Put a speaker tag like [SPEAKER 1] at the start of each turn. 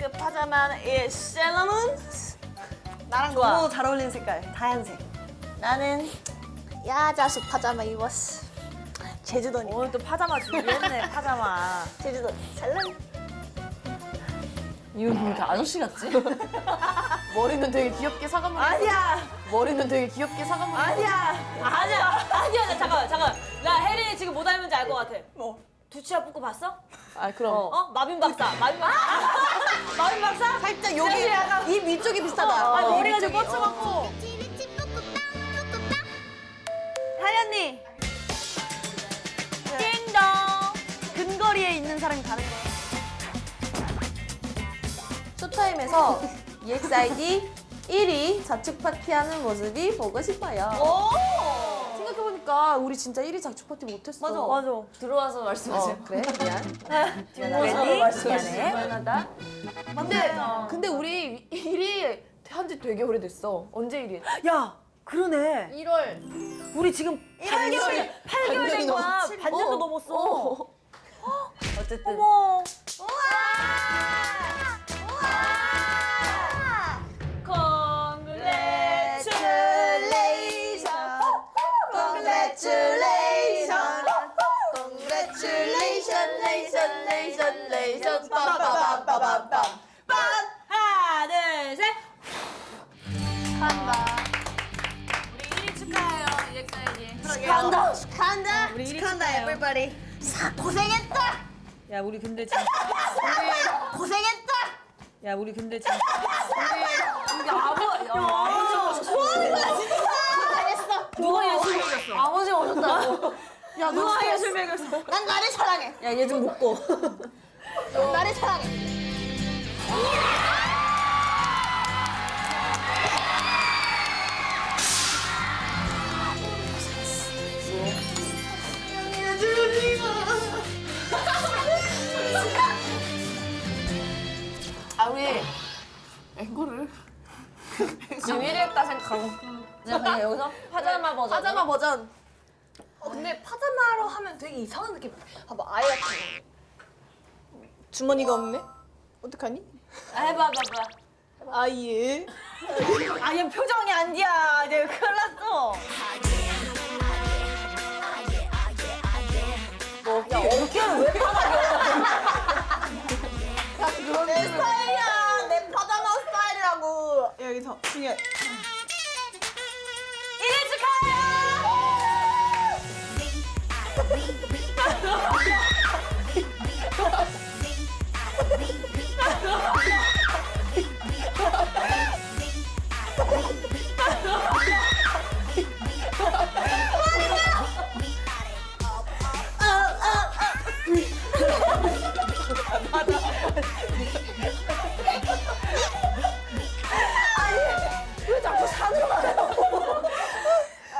[SPEAKER 1] 그 파자마는 셀러문. 나랑
[SPEAKER 2] 좋아.
[SPEAKER 1] 너무 잘 어울리는 색깔. 다양색. 나는 야자수 파자마 입었어. 제주도니까.
[SPEAKER 2] 오늘 또 파자마 준비했네, 파자마.
[SPEAKER 1] 제주도 찰랑.
[SPEAKER 3] 이거 왜 이렇게 아저씨 같지? 머리는 되게 귀엽게 사과머리.
[SPEAKER 2] 아니야.
[SPEAKER 3] 머리는 되게 귀엽게 사과머리.
[SPEAKER 2] 아니야.
[SPEAKER 4] 아니야, 잠깐만. 나 혜린이 지금 뭐 닮은지 알 것 같아.
[SPEAKER 1] 뭐?
[SPEAKER 4] 두치아 뽑고 봤어?
[SPEAKER 3] 아, 그럼.
[SPEAKER 4] 어? 마빈 박사. 마빈 박사?
[SPEAKER 1] 살짝 여기 입 위쪽이 비슷하다.
[SPEAKER 4] 머리가 좀 뻗쳐갖고.
[SPEAKER 2] 하리 언니.
[SPEAKER 4] 띵동.
[SPEAKER 2] 근거리에 있는 사람이 다른 거.
[SPEAKER 3] 쇼타임에서 EXID 1위 자축 파티하는 모습이 보고 싶어요. 생각해보니까 우리 진짜 1위 자축 파티 못했어.
[SPEAKER 2] 맞아.
[SPEAKER 3] 들어와서 말씀하세요. 그래? 미안.
[SPEAKER 2] 뒷모습 말씀하시네.
[SPEAKER 3] 미안하다. 근데 우리 1위 한 지 되게 오래됐어. 언제 1위 했지?
[SPEAKER 2] 야, 그러네.
[SPEAKER 3] 1월.
[SPEAKER 2] 우리 지금 8개월 된 거야. 반년도 넘었어.
[SPEAKER 3] 어쨌든.
[SPEAKER 2] 어머.
[SPEAKER 3] Congratulations. 빠바바바바밤.
[SPEAKER 4] 하나, 둘, 셋.
[SPEAKER 1] 축하한다.
[SPEAKER 4] 우리 1위 축하해요, EXID.
[SPEAKER 1] 축하한다. 축하한다.
[SPEAKER 2] 우리 1위
[SPEAKER 1] 축하한다,
[SPEAKER 2] 축하해요.
[SPEAKER 1] everybody. 고생했다.
[SPEAKER 2] 야, 우리 근데 진짜.
[SPEAKER 1] 고생했다.
[SPEAKER 2] 야, 우리 근데 진짜.
[SPEAKER 1] 고생했어.
[SPEAKER 4] 누가 예술 먹였어?
[SPEAKER 3] 아버지가 오셨다고.
[SPEAKER 1] 야,
[SPEAKER 4] 누가 예술 먹였어?
[SPEAKER 1] 난 나를 사랑해.
[SPEAKER 2] 야, 얘 좀 먹고.
[SPEAKER 1] 난 나를 사랑해.
[SPEAKER 3] 아, 우리 앵콜을 지금 1위 했다 생각하고 그냥 여기서 파자마 버전.
[SPEAKER 1] 파자마 버전. 근데 파자마로 하면 되게 이상한 느낌. 봐봐, 아이 같은 거. 주머니가 없네? 어떡하니?
[SPEAKER 4] 해봐.
[SPEAKER 1] 아예.
[SPEAKER 2] 아얘 표정이 안 돼야. 내가 큰일 났어.
[SPEAKER 1] 내 스타일이야. 내 파자마 스타일이라고. 여기서 중요해.